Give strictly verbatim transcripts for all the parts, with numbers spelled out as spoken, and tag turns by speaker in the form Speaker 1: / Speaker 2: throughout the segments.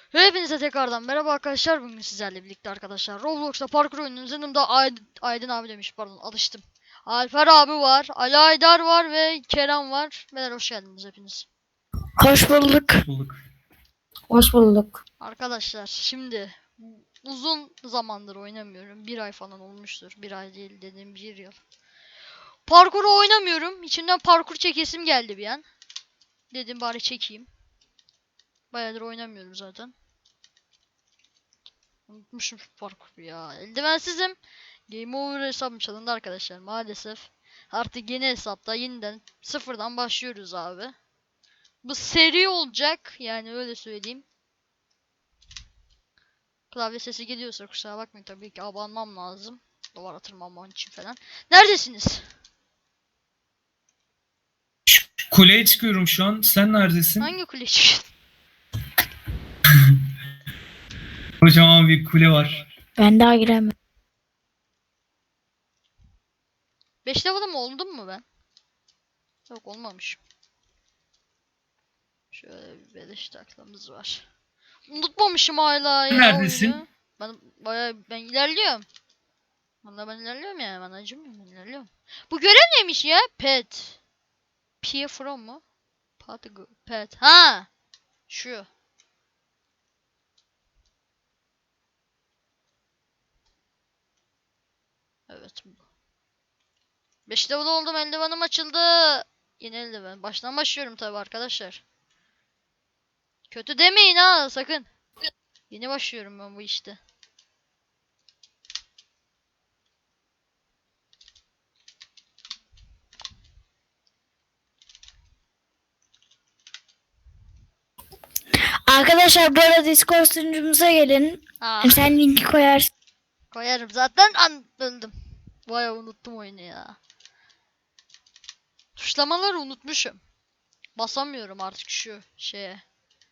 Speaker 1: Hepinize tekrardan merhaba arkadaşlar. Bugün sizlerle birlikte arkadaşlar Roblox'ta parkur oyununun yanımda Aydın, Aydın abi demiş, pardon, alıştım. Alper abi var, Ali Aydar var ve Kerem var. Beyler hoş geldiniz hepiniz.
Speaker 2: Hoş bulduk.
Speaker 3: Bulduk.
Speaker 2: Hoş bulduk.
Speaker 1: Arkadaşlar şimdi uzun zamandır oynamıyorum. Bir ay falan olmuştur. Bir ay değil dediğim bir yıl. Parkuru oynamıyorum. İçimden parkur çekesim geldi bir an. Dedim bari çekeyim. Bayağıdır oynamıyorum zaten. Unutmuşum şu parkuru ya. Eldivensizim. Game over hesabım çalındı arkadaşlar maalesef. Artık yeni hesapta yeniden sıfırdan başlıyoruz abi. Bu seri olacak yani, öyle söyleyeyim. Klavye sesi geliyorsa kusura bakmayın, tabii ki abanmam lazım. Duvara tırmanmam için falan. Neredesiniz?
Speaker 3: Kuleye çıkıyorum şu an. Sen neredesin?
Speaker 1: Hangi kule çıkıyorsun?
Speaker 3: Kocaman bir kule var.
Speaker 2: Ben daha giremem.
Speaker 1: beş level'da mı oldum mu ben? Yok, olmamışım. Şöyle bir beleş taklamız var. Unutmamışım hala ya
Speaker 3: Neredesin?
Speaker 1: oyunu. Ben bayağı ben ilerliyorum. Vallahi ben ilerliyorum yani, ben acımıyorum, ben ilerliyorum. Bu görev neymiş ya? Pet. Peer from mu? Patigo. Pet. Ha. Şu. Evet bu. beş level oldum, eldivenim açıldı. Yeni eldiven. Baştan başlıyorum tabi arkadaşlar. Kötü demeyin ha sakın. Yeni başlıyorum ben bu işte.
Speaker 2: Arkadaşlar bu arada Discord sunucumuza gelin.
Speaker 1: Ah,
Speaker 2: Sen linki koyarsın.
Speaker 1: koyarım zaten, an öldüm. Bayağı unuttum oyunu ya. Tuşlamaları unutmuşum. Basamıyorum artık şu şeye.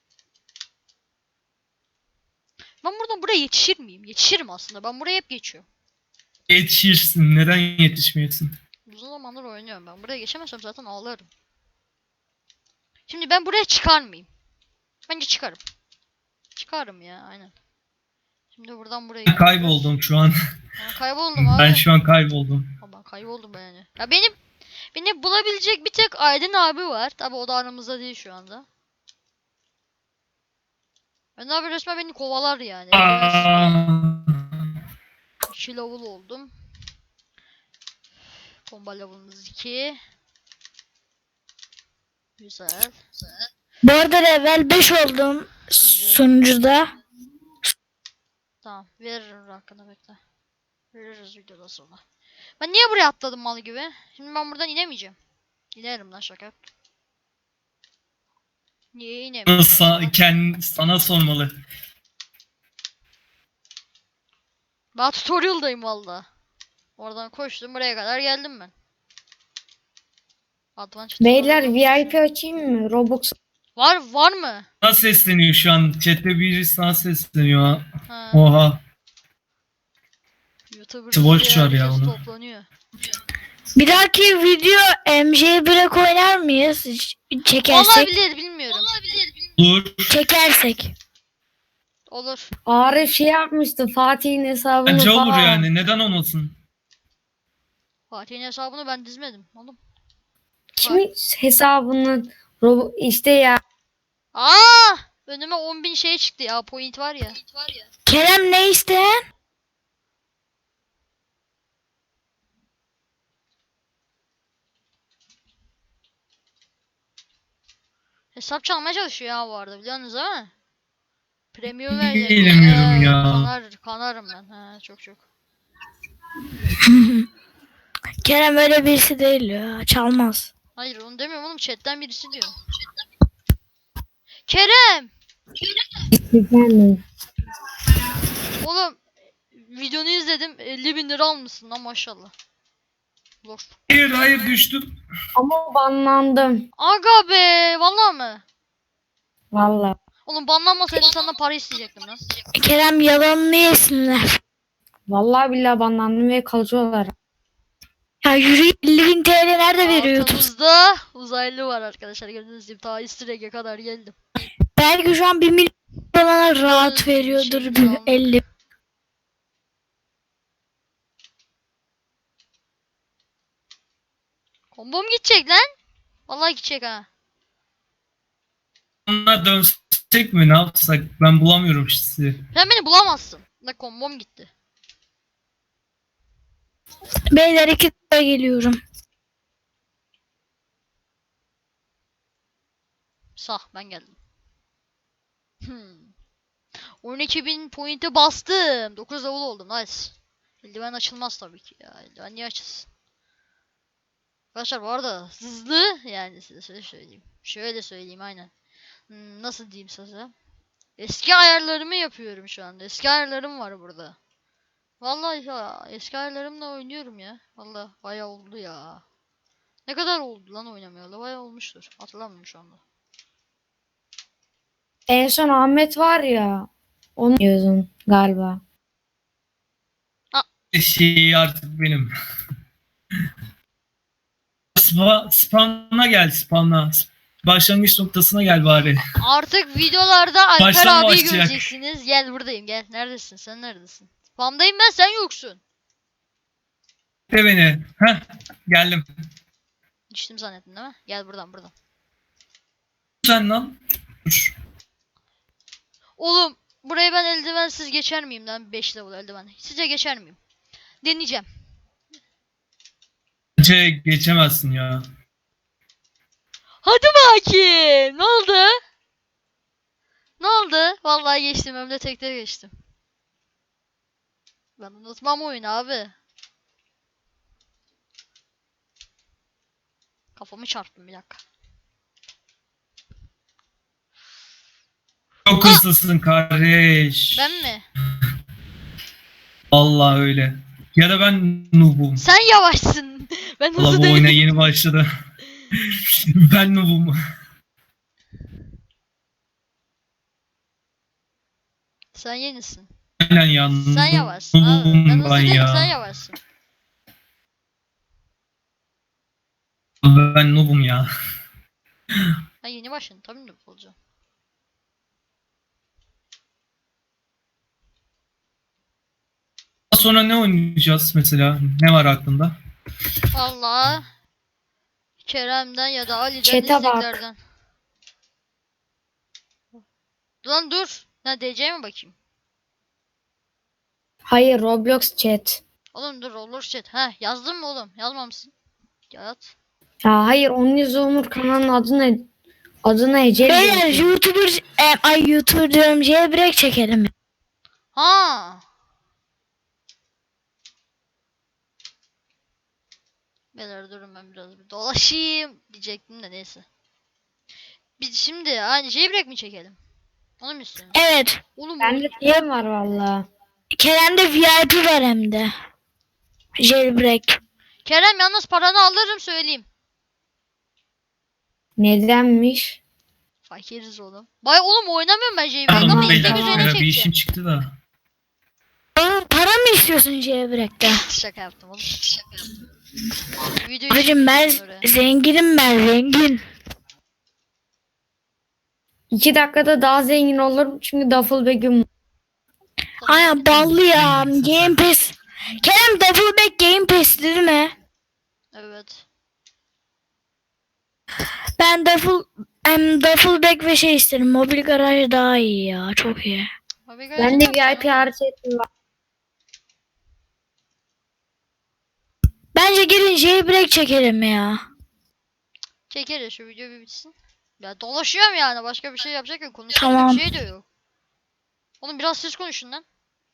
Speaker 1: Ben buradan buraya yetişir miyim? Yetişirim aslında. Ben buraya hep geçiyorum.
Speaker 3: Yetişirsin. Neden yetişmiyorsun?
Speaker 1: Uzun zamandır oynuyorum ben. Buraya geçemezsem zaten ağlarım. Şimdi ben buraya çıkar mıyım? Bence çıkarım. Çıkarım ya, aynen. Şimdi buradan buraya gidiyoruz.
Speaker 3: Kayboldum şu an.
Speaker 1: Ben kayboldum abi.
Speaker 3: Ben şu an kayboldum.
Speaker 1: Ha, ben kayboldum yani. Ya benim beni bulabilecek bir tek Aydın abi var. Tabi o da aramızda değil şu anda. Ben abi resmen beni kovalar yani.
Speaker 3: Aa,
Speaker 1: iki level oldum. Combo level'ımız iki. Güzel.
Speaker 2: Bu arada level beş oldum sunucuda.
Speaker 1: Tamam, veririm hakkını, bekle. Veririz videoda sonra. Ben niye buraya atladım mal gibi? Şimdi ben buradan inemeyeceğim. İnerim lan, şaka yaptım. Niye inemiyorum?
Speaker 3: sa kend sana sormalı.
Speaker 1: Ben tutorial'dayım valla. Oradan koştum, buraya kadar geldim ben. Advanced
Speaker 2: Beyler
Speaker 1: tutorial.
Speaker 2: V I P açayım mı? Robux.
Speaker 1: Var var mı?
Speaker 3: Sana sesleniyor şu an. Chat'te biri sana sesleniyor.
Speaker 1: Ha.
Speaker 3: Oha.
Speaker 1: YouTuber
Speaker 3: Boş ver ya
Speaker 1: herkes
Speaker 3: onu.
Speaker 1: toplanıyor.
Speaker 2: Bir dahaki video M J bir'e oynar mıyız? Çekersek.
Speaker 1: Olabilir, bilmiyorum.
Speaker 3: Dur.
Speaker 2: Çekersek.
Speaker 1: Olur.
Speaker 4: Arif şey yapmıştı, Fatih'in hesabını
Speaker 3: Bence
Speaker 4: falan.
Speaker 3: olur yani. Neden olmasın?
Speaker 1: Fatih'in hesabını ben dizmedim oğlum.
Speaker 4: Kimin hesabını Rob işte ya.
Speaker 1: Aa! Önüme on bin şey çıktı ya, point var ya.
Speaker 2: Kerem ne isteyen?
Speaker 1: Hesap çalmaya çalışıyor ya bu arada, biliyorsunuz değil mi? Premium verecek.
Speaker 3: Bilemiyorum
Speaker 1: Ee,
Speaker 3: ya.
Speaker 1: Kanar, kanarım ben. He, çok çok.
Speaker 2: Kerem öyle birisi değil ya. Çalmaz.
Speaker 1: Hayır onu demiyorum oğlum, chatten birisi diyor. Kerem!
Speaker 4: Efendim.
Speaker 1: Oğlum videonu izledim, elli bin lira almışsın lan maşallah. Zor.
Speaker 3: Hayır hayır düştüm.
Speaker 4: Ama banlandım.
Speaker 1: Aga be, vallahi mı?
Speaker 4: Valla.
Speaker 1: Oğlum banlanmasaydım senden para isteyecektim lan.
Speaker 2: Kerem yalanını yesinler.
Speaker 4: Vallahi billahi banlandım ve kalıcı olarak.
Speaker 2: Ya yürü, elli bin T L nerede veriyor YouTube?
Speaker 1: Altımızda uzaylı var arkadaşlar, gördüğünüz gibi ta easter egg'e kadar geldim.
Speaker 2: Belki şu an bir milyon bana rahat
Speaker 1: Şey
Speaker 2: veriyordur bir
Speaker 1: diyeceğim.
Speaker 2: elli.
Speaker 1: Kombom gidecek lan. Vallahi gidecek ha.
Speaker 3: Ona dönsek mi, ne yapsak? Ben bulamıyorum sizi.
Speaker 1: Sen beni bulamazsın. Ne kombom gitti.
Speaker 2: Beyler iki dakika geliyorum.
Speaker 1: Sağ ben geldim. Hmm. on iki bin point'e bastım. dokuz level oldum. Nice. Eldiven açılmaz tabii ki ya. Eldiven niye açılsın? Arkadaşlar bu arada hızlı yani size şöyle söyleyeyim. Şöyle söyleyeyim aynen. Hmm, nasıl diyeyim size? Eski ayarlarımı yapıyorum şu anda. Eski ayarlarım var burada. Vallahi ya eski ayarlarımla oynuyorum ya. Vallahi bayağı oldu ya. Ne kadar oldu lan oynamayalı? Bayağı olmuştur. Hatırlamıyorum şu anda.
Speaker 4: En son Ahmet var ya. Onu diyordun galiba.
Speaker 3: Şey artık benim. Spa, spawn'a gel, spawn'a. Başlangıç noktasına gel bari.
Speaker 1: Artık videolarda Alper
Speaker 3: Baştan
Speaker 1: abiyi
Speaker 3: başlayacak.
Speaker 1: göreceksiniz. Gel buradayım gel. Neredesin? Sen neredesin? Spamdayım ben sen yoksun.
Speaker 3: De beni. Heh, geldim.
Speaker 1: Düştüm zannettin değil mi? Gel buradan buradan.
Speaker 3: Sen lan. Dur.
Speaker 1: Oğlum burayı ben eldivensiz geçer miyim lan? beş level eldiven. Sizce geçer miyim? Deneyeceğim.
Speaker 3: Bence geçemezsin ya.
Speaker 1: Hadi bakayım. Ne oldu? Ne oldu? Vallahi geçtim. Hem de tekte geçtim. Ben unutmam oyunu abi. Kafamı çarptım bir dakika.
Speaker 3: Çok hızlısın kardeş.
Speaker 1: Ben mi?
Speaker 3: Allah öyle. Ya da ben noob'um.
Speaker 1: Sen yavaşsın. Ben
Speaker 3: Allah
Speaker 1: hızlı
Speaker 3: bu oyuna
Speaker 1: değilim.
Speaker 3: yeni başladı. Ben noob'um.
Speaker 1: Sen yenisin.
Speaker 3: Aynen ya.
Speaker 1: Sen yavaşsın abi. Ben
Speaker 3: noob'um
Speaker 1: hızlı
Speaker 3: ben
Speaker 1: değilim
Speaker 3: ya.
Speaker 1: sen yavaşsın.
Speaker 3: Ben noob'um ya.
Speaker 1: Ha yeni başladın tabii mi olacağım.
Speaker 3: Daha sonra ne oynayacağız mesela? Ne var aklında?
Speaker 1: Allah. Kerem'den ya da Ali'den
Speaker 4: Chat'e bak.
Speaker 1: isteklerden. Lan dur. Ne D C'ye mi bakayım?
Speaker 4: Hayır, Roblox chat.
Speaker 1: Oğlum dur olur chat. Heh yazdın mı oğlum? Yazmamışsın. Yaz.
Speaker 4: Ya hayır, onun yüzü Onur kanalının adı ne? Adı ne? Ece
Speaker 2: Beyler
Speaker 4: diyorsun.
Speaker 2: YouTuber, e, ay YouTuber diyorum, jailbreak çekelim.
Speaker 1: Ha. Beyler durun ben biraz bir dolaşayım diyecektim de neyse. Biz şimdi aynı jailbreak mi çekelim? Onu mu istiyorsun?
Speaker 2: Evet.
Speaker 1: Oğlum
Speaker 4: Bende diye var valla.
Speaker 2: Kerem'de V I P var hem de. Jailbreak.
Speaker 1: Kerem yalnız paranı alırım söyleyeyim.
Speaker 4: Nedenmiş?
Speaker 1: Fakiriz oğlum. Bay oğlum oynamıyorum ben jailbreak
Speaker 3: Tamam
Speaker 1: ama
Speaker 3: beyler.
Speaker 1: istek üzerine
Speaker 3: Bir
Speaker 1: çekeceğim.
Speaker 3: işim çıktı da.
Speaker 2: Oğlum para mı istiyorsun jailbreak'te?
Speaker 1: Şaka yaptım oğlum. Şaka yaptım. Videoyu
Speaker 2: Abicim ben
Speaker 1: çekeceğim oraya.
Speaker 2: zenginim, ben zengin.
Speaker 4: İki dakikada daha zengin olurum çünkü Duffelbag'im.
Speaker 2: Aynen ballı ya. Game Pass. Kerem Doubleback Game Pass değil mi?
Speaker 1: Evet.
Speaker 2: Ben Duffel, em, Duffelback ve şey isterim. Mobil garaj daha iyi ya. Çok iyi.
Speaker 1: Abi
Speaker 4: Ben de
Speaker 1: gerçekten
Speaker 4: V I P
Speaker 1: sana-
Speaker 4: hariç ettim.
Speaker 2: Bence gelin jailbreak çekelim ya.
Speaker 1: Çekeriz şu video bir bitsin. Ya dolaşıyorum yani başka bir şey yapacak yok. Konuşacak
Speaker 2: Tamam.
Speaker 1: bir şey de yok. Oğlum biraz siz konuşun lan.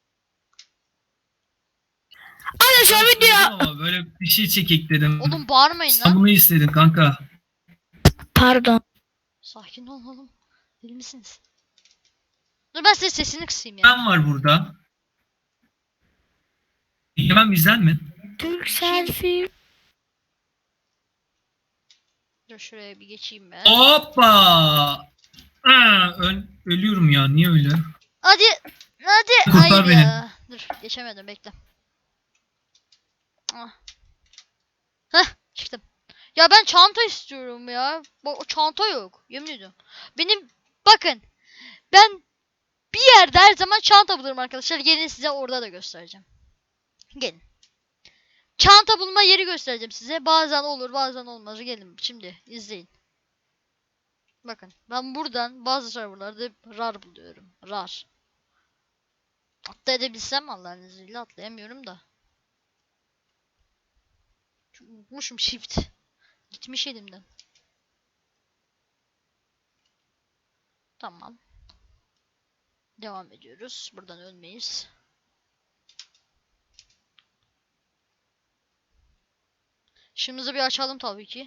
Speaker 2: Arkadaşlar video.
Speaker 3: Ama böyle bir şey çekek dedim.
Speaker 1: Oğlum bağırmayın
Speaker 3: Sen
Speaker 1: lan.
Speaker 3: bunu istedin kanka.
Speaker 2: Pardon.
Speaker 1: Sakin ol oğlum. Deli misiniz? Dur ben size sesini kısayım ya.
Speaker 3: Ben var burada. Hemen bizden mi?
Speaker 2: Türk selfie.
Speaker 1: Dur şuraya bir geçeyim ben.
Speaker 3: Hoppa! Aa, öl- ölüyorum ya. Niye öyle?
Speaker 1: Hadi. Hadi.
Speaker 3: Kurtar
Speaker 1: Hayır
Speaker 3: beni.
Speaker 1: ya. Dur geçemedim bekle. Ah. Heh çıktım. Ya ben çanta istiyorum ya. Bak o çanta yok. Yemin ediyorum. Benim bakın. Ben Bir yerde her zaman çanta bulurum arkadaşlar. Gelin size orada da göstereceğim. Gelin. Çanta bulma yeri göstereceğim size. Bazen olur bazen olmaz. Gelin şimdi izleyin. Bakın ben buradan bazı serverlarda rar buluyorum. Rar. Atlayabilsem Allah'ın izniyle atlayamıyorum da. Çünkü unutmuşum shift. Gitmiş elimden. Tamam. Devam ediyoruz. Buradan ölmeyiz. Işığımızı bir açalım tabii ki.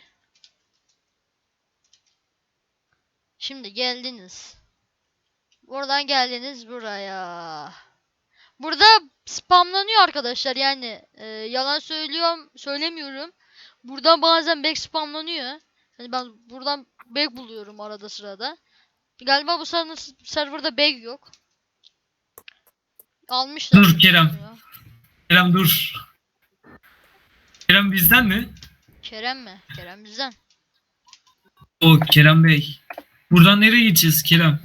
Speaker 1: Şimdi geldiniz. Buradan geldiniz buraya. Burada spamlanıyor arkadaşlar yani e, yalan söylüyorum söylemiyorum. Buradan bazen back spamlanıyor. Yani ben buradan back buluyorum arada sırada. Galiba bu ser- serverda back yok. Almışlar.
Speaker 3: Dur Kerem. Kerem dur. Kerem bizden mi?
Speaker 1: Kerem mi? Kerem bizden.
Speaker 3: O Kerem Bey. Buradan nereye gideceğiz Kerem?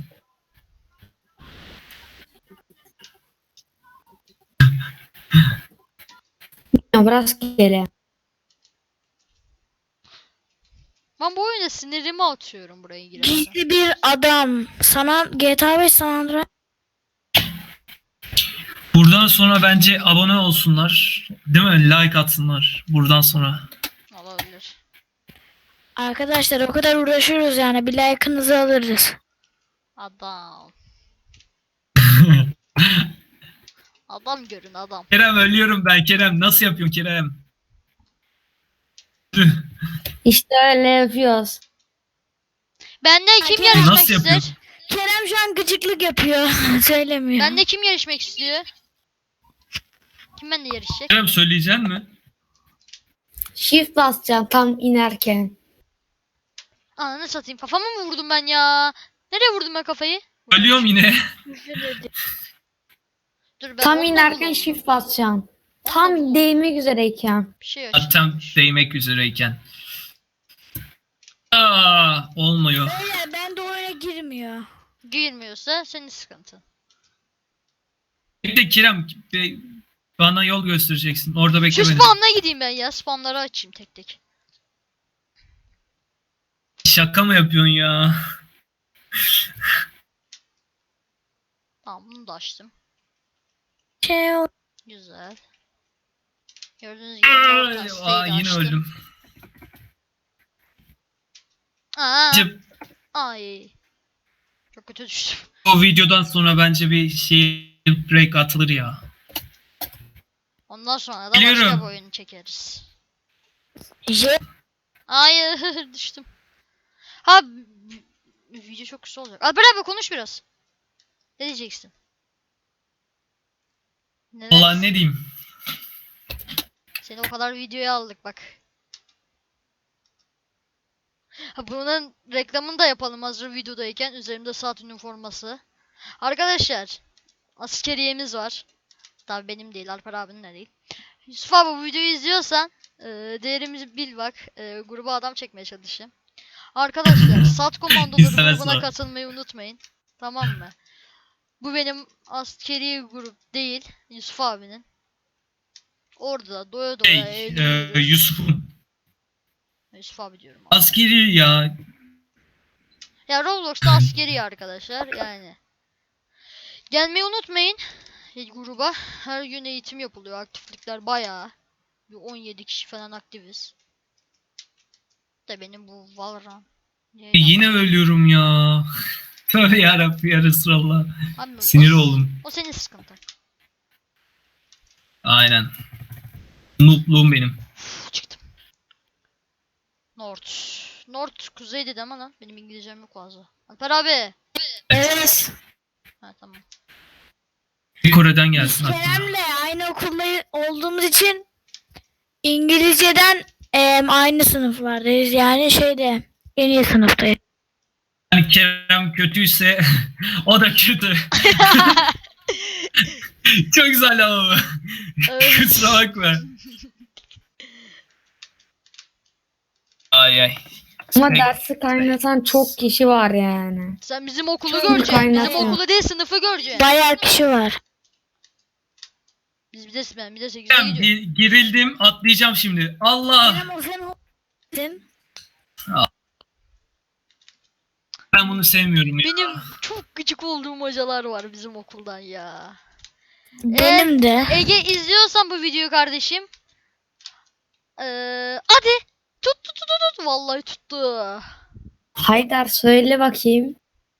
Speaker 4: Rastgele.
Speaker 1: Ben bu oyunda sinirimi atıyorum buraya girerken.
Speaker 2: Gizli bir adam. Sana G T A beş San Andreas.
Speaker 3: Buradan sonra bence abone olsunlar. Değil mi? Like atsınlar. Buradan sonra.
Speaker 1: Olabilir.
Speaker 2: Arkadaşlar o kadar uğraşıyoruz yani. Bir like'ınızı alırız.
Speaker 1: Adam. Adam görün adam.
Speaker 3: Kerem ölüyorum ben Kerem. Nasıl yapıyorsun Kerem?
Speaker 4: İşte öyle yapıyoruz.
Speaker 1: Bende kim
Speaker 2: Kerem
Speaker 1: yarışmak
Speaker 3: nasıl
Speaker 1: ister?
Speaker 3: yapıyorsun?
Speaker 2: Kerem şu an gıcıklık yapıyor. Söylemiyor.
Speaker 1: Bende kim yarışmak istiyor? Kim benimle yarışacak?
Speaker 3: Kerem söyleyecek mi?
Speaker 4: Shift basacağım tam inerken.
Speaker 1: Ananı satayım. Kafama mı vurdum ben ya? Nereye vurdum ben kafayı?
Speaker 3: Ölüyorum yine.
Speaker 1: Dur ben
Speaker 4: Tam
Speaker 1: onunla
Speaker 4: inerken
Speaker 1: buldum.
Speaker 4: shift basacağım.
Speaker 1: Onunla
Speaker 4: Tam
Speaker 1: buldum.
Speaker 4: değmek üzereyken.
Speaker 1: Bir şey açtım.
Speaker 3: Zaten değmek üzereyken. Aa, olmuyor.
Speaker 2: Beyler ben de oyuna girmiyor.
Speaker 1: Girmiyorsa senin sıkıntın.
Speaker 3: Bekle Kerem. be- Bana yol göstereceksin. Orada
Speaker 1: Şu
Speaker 3: bekle beni.
Speaker 1: spamla gideyim ben ya. Spamları açayım tek tek.
Speaker 3: Şaka mı yapıyorsun ya?
Speaker 1: Tamam bunu da açtım.
Speaker 2: Şey ol-
Speaker 1: Güzel. Gördüğünüz gibi
Speaker 3: Aa,
Speaker 1: North
Speaker 3: aa,
Speaker 1: Caste'yi de
Speaker 3: yine
Speaker 1: açtım.
Speaker 3: öldüm.
Speaker 1: Aa,
Speaker 3: Bence
Speaker 1: ay. Çok kötü düştüm.
Speaker 3: o videodan sonra bence bir şey break atılır ya.
Speaker 1: Ondan sonra da başka
Speaker 3: Biliyorum.
Speaker 1: bir oyun çekeriz.
Speaker 2: Je-
Speaker 1: Hayır düştüm. Ha b- b- video çok kısa olacak. Alper abi konuş biraz. Ne diyeceksin? Neler?
Speaker 3: Allah ne diyeyim.
Speaker 1: Seni o kadar videoya aldık bak. Ha bunun reklamını da yapalım hazır videodayken. Üzerimde saat üniforması. Arkadaşlar askeriyemiz var. Tabii benim değil, Alper abinin de değil. Yusuf abi bu videoyu izliyorsan e, değerimizi bil bak. E, gruba adam çekmeye çalışayım. Arkadaşlar Sat Komandoları
Speaker 3: İstemez
Speaker 1: grubuna
Speaker 3: var.
Speaker 1: katılmayı unutmayın. Tamam mı? Bu benim askeri grup değil. Yusuf abinin. Orada doya doya
Speaker 3: Hey, e,
Speaker 1: eğleniyoruz.
Speaker 3: Yusuf'un
Speaker 1: Yusuf abi diyorum. Abi.
Speaker 3: askeri ya.
Speaker 1: Ya Roblox'ta askeri arkadaşlar yani. Gelmeyi unutmayın e, gruba. Her gün eğitim yapılıyor. Aktiflikler bayağı. Bir on yedi kişi falan aktiviz. De benim bu Valorant. Niye
Speaker 3: Yine
Speaker 1: yaptın?
Speaker 3: ölüyorum ya. Tövbe yarabbim ya Resulallah.
Speaker 1: Abi, o-
Speaker 3: Sinir oldum.
Speaker 1: O senin sıkıntın.
Speaker 3: Aynen. Noob'luğum benim.
Speaker 1: Uf, çıktım. North. North kuzey dedi ama lan. Benim İngilizcem yok fazla. Alper abi.
Speaker 2: Evet.
Speaker 1: Ha tamam.
Speaker 3: Bir Kore'den
Speaker 2: Biz
Speaker 3: gelsin aklıma.
Speaker 2: Kerem'le aynı okulda olduğumuz için İngilizceden em, aynı sınıflardayız. Yani şeyde en iyi sınıftayız.
Speaker 3: Yani Kerem kötüyse o da kötü. Çok güzel ama.
Speaker 1: Evet.
Speaker 3: Kusura bakma. Ay ay.
Speaker 4: Ama
Speaker 3: Peki.
Speaker 4: dersi kaynatan çok kişi var yani.
Speaker 1: Sen bizim okulu
Speaker 4: Çok
Speaker 1: göreceksin.
Speaker 4: kaynak
Speaker 1: Bizim
Speaker 4: ya.
Speaker 1: okulu değil sınıfı göreceksin.
Speaker 2: Bayağı kişi var.
Speaker 1: Biz bir de ben bir de sekize
Speaker 3: Hocam,
Speaker 1: gidiyorum.
Speaker 3: gi- gerildim, atlayacağım şimdi. Allah!
Speaker 2: Benim o senin
Speaker 3: Ben bunu sevmiyorum ya.
Speaker 1: Benim çok gıcık olduğum hocalar var bizim okuldan ya.
Speaker 2: benim de.
Speaker 1: Ege izliyorsan bu videoyu kardeşim. Ee, hadi. Tut tut tut tut, tut. Vallahi tuttu.
Speaker 4: Haydar söyle bakayım.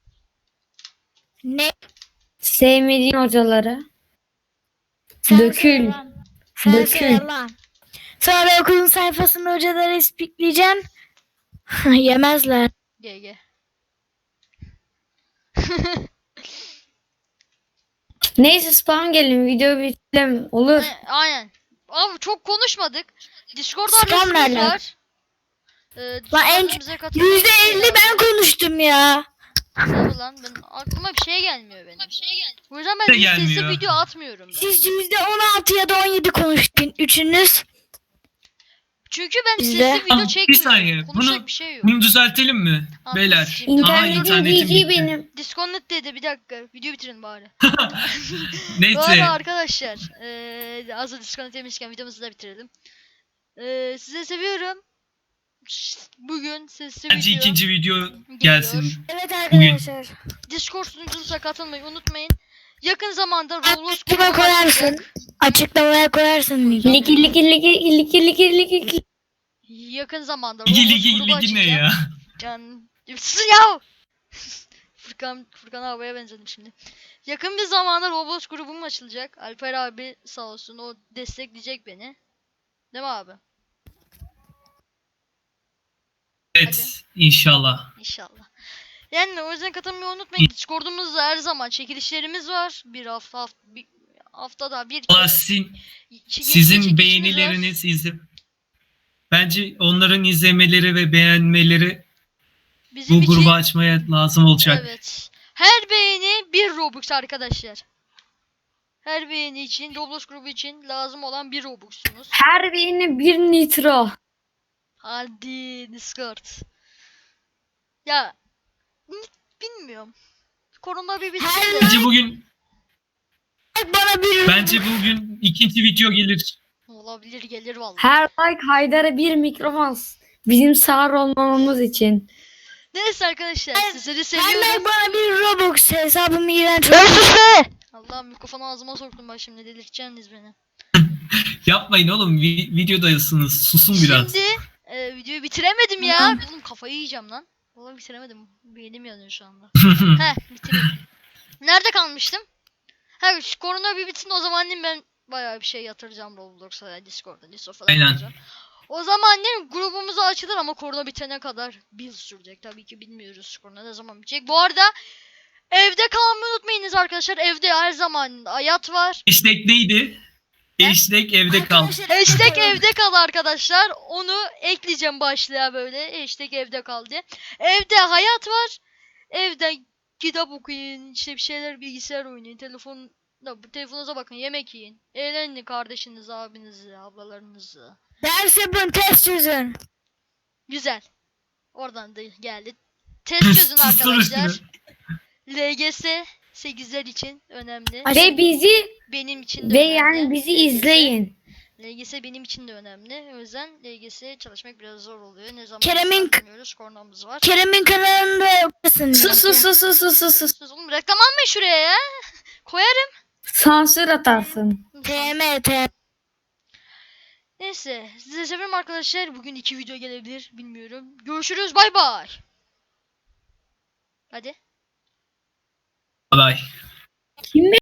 Speaker 2: Ne?
Speaker 4: Sevmediğin hocaları.
Speaker 2: Sen
Speaker 4: Dökül.
Speaker 2: söyle lan. Sen
Speaker 4: Dökül.
Speaker 2: söyle lan. Sonra okulun sayfasında hocaları ispikleyeceksin. Yemezler.
Speaker 1: G G.
Speaker 4: Neyse spam gelin video bitirelim. Olur.
Speaker 1: E, Aynen. Abi çok konuşmadık. Discord
Speaker 2: Spam
Speaker 1: adresimiz
Speaker 2: nerede?
Speaker 1: var. Ee,
Speaker 2: Lan en-
Speaker 1: Discord'umuza katılın.
Speaker 2: Yüzde elli ben konuştum ya.
Speaker 1: Tabii lan ben aklıma bir şey gelmiyor benim. Bir şey gelmiyor. O yüzden ben
Speaker 3: De
Speaker 1: hiç sesli
Speaker 3: gelmiyor.
Speaker 1: video atmıyorum ben.
Speaker 2: Siz yüzde on altı ya da on yedi konuştun. Üçünüz.
Speaker 1: Çünkü ben
Speaker 2: Bizde-
Speaker 1: sesli video
Speaker 3: Tamam, bir
Speaker 1: çekmiyorum.
Speaker 3: saniye.
Speaker 1: Konuşacak
Speaker 3: Bunu-
Speaker 1: bir şey yok.
Speaker 3: Bunu düzeltelim mi?
Speaker 1: Tamam,
Speaker 3: Beyler.
Speaker 1: sikeyim.
Speaker 3: Aha,
Speaker 4: İnternetin
Speaker 3: internetim
Speaker 4: G G
Speaker 3: gitti.
Speaker 4: benim.
Speaker 1: Disconnect dedi bir dakika. Video bitirin bari. Bu
Speaker 3: Neyse.
Speaker 1: arada arkadaşlar. Eee az da disconnect demişken videomuzu da bitirelim. Eee size seviyorum. Bugün sesli
Speaker 3: Bence
Speaker 1: video.
Speaker 3: ikinci video
Speaker 1: geliyor.
Speaker 3: gelsin.
Speaker 2: Evet arkadaşlar.
Speaker 1: Discord sunucumuza katılmayı unutmayın. Yakın zamanda Roblox
Speaker 2: Açıklamaya
Speaker 1: grubu
Speaker 2: koyarsın.
Speaker 1: açacak.
Speaker 2: Açıklamaya koyarsın. linki.
Speaker 4: Ligi ligi ligi ligi ligi ligi ligi.
Speaker 1: Yakın zamanda
Speaker 3: Ligi
Speaker 1: Roblox
Speaker 3: ligi
Speaker 1: grubu
Speaker 3: ligi ne
Speaker 1: açacak.
Speaker 3: ya?
Speaker 1: Can... Sus ya! Furkan, Furkan abiye benzedim şimdi. Yakın bir zamanda Roblox grubum açılacak. Alper abi sağ olsun o destekleyecek beni. Değil mi abi?
Speaker 3: Evet. İnşallah.
Speaker 1: İnşallah. Yani o yüzden katılmayı unutmayın. Discord'umuzda her zaman çekilişlerimiz var. Bir hafta, hafta bir haftada bir
Speaker 3: Valla
Speaker 1: kez.
Speaker 3: sizin,
Speaker 1: Ç- yeni
Speaker 3: sizin
Speaker 1: çekilişimiz var.
Speaker 3: beğenileriniz izle. Bence onların izlemeleri ve beğenmeleri
Speaker 1: Bizim
Speaker 3: bu
Speaker 1: için-
Speaker 3: grubu açmaya lazım olacak.
Speaker 1: Evet. Her beğeni bir Robux arkadaşlar. Her beğeni için, Roblox grubu için lazım olan bir Robux'sunuz.
Speaker 4: Her birine bir nitro.
Speaker 1: Hadi Discord. Ya n- bilmiyorum. Korona bir bitsin
Speaker 2: Her
Speaker 1: de.
Speaker 3: Bence bugün
Speaker 2: Bana bir
Speaker 3: bence bugün ikinci video gelir.
Speaker 1: Olabilir gelir vallahi.
Speaker 4: Her like Haydar'a bir mikrofon. Bizim sağır olmamamız için.
Speaker 1: Neyse arkadaşlar sizleri
Speaker 2: Her
Speaker 1: seviyorum.
Speaker 2: like bana bir Robux hesabımı iğrenç.
Speaker 1: Allah'ım mikrofonu ağzıma soktum bak şimdi delirteceksiniz beni.
Speaker 3: Yapmayın oğlum. vi- videodayısınız. Susun biraz.
Speaker 1: Şimdi e, videoyu bitiremedim ya.
Speaker 2: Tamam.
Speaker 1: Oğlum kafayı yiyeceğim lan. Vallahi bitiremedim. Beynim yanıyor şu anda. Heh bitireyim. Nerede kalmıştım? Ha şu korona bir bitsin o zaman annem ben bayağı bir şey yatıracağım Roblox'a, Discord'a, Discord falan
Speaker 3: Aynen.
Speaker 1: yapacağım. O zaman annem grubumuzu açılır ama korona bitene kadar bir yıl sürecek. Tabii ki bilmiyoruz korona ne zaman bitecek. Bu arada evde kalmayı unutmayınız arkadaşlar. Evde her zaman hayat var.
Speaker 3: Hashtag neydi?
Speaker 1: Ne?
Speaker 3: Hashtag evde kal.
Speaker 1: Hashtag evde kal arkadaşlar. Onu ekleyeceğim başlığa böyle. Hashtag evde kal diye. Evde hayat var. Evde kitap okuyun. İşte bir şeyler bilgisayar oynayın. Telefon telefonunuza bakın. Yemek yiyin. Eğlenin kardeşinizi, abinizi, ablalarınızı.
Speaker 2: Ders yapın, test çözün.
Speaker 1: Güzel. Oradan da geldi. Test çözün
Speaker 3: Sustur
Speaker 1: arkadaşlar.
Speaker 3: üstüne.
Speaker 1: L G S sekizler için önemli.
Speaker 4: Ve bizi
Speaker 1: Benim için de
Speaker 4: ve
Speaker 1: önemli.
Speaker 4: yani bizi
Speaker 1: L G S.
Speaker 4: izleyin.
Speaker 1: L G S benim için de önemli. O yüzden L G S çalışmak biraz zor oluyor. Ne zaman
Speaker 2: Kerem'in-
Speaker 1: bilmiyoruz. Koronamız var.
Speaker 2: Kerem'in kanalında yaparsın.
Speaker 4: Sus sus sus sus sus sus sus.
Speaker 1: Sus oğlum reklam almayın şuraya ya. Koyarım.
Speaker 4: Sansür atarsın.
Speaker 2: T M T M.
Speaker 1: Neyse. Size seviyorum arkadaşlar. Bugün iki video gelebilir. Bilmiyorum. Görüşürüz. Bay bay. Hadi.
Speaker 3: Bye.
Speaker 4: Kim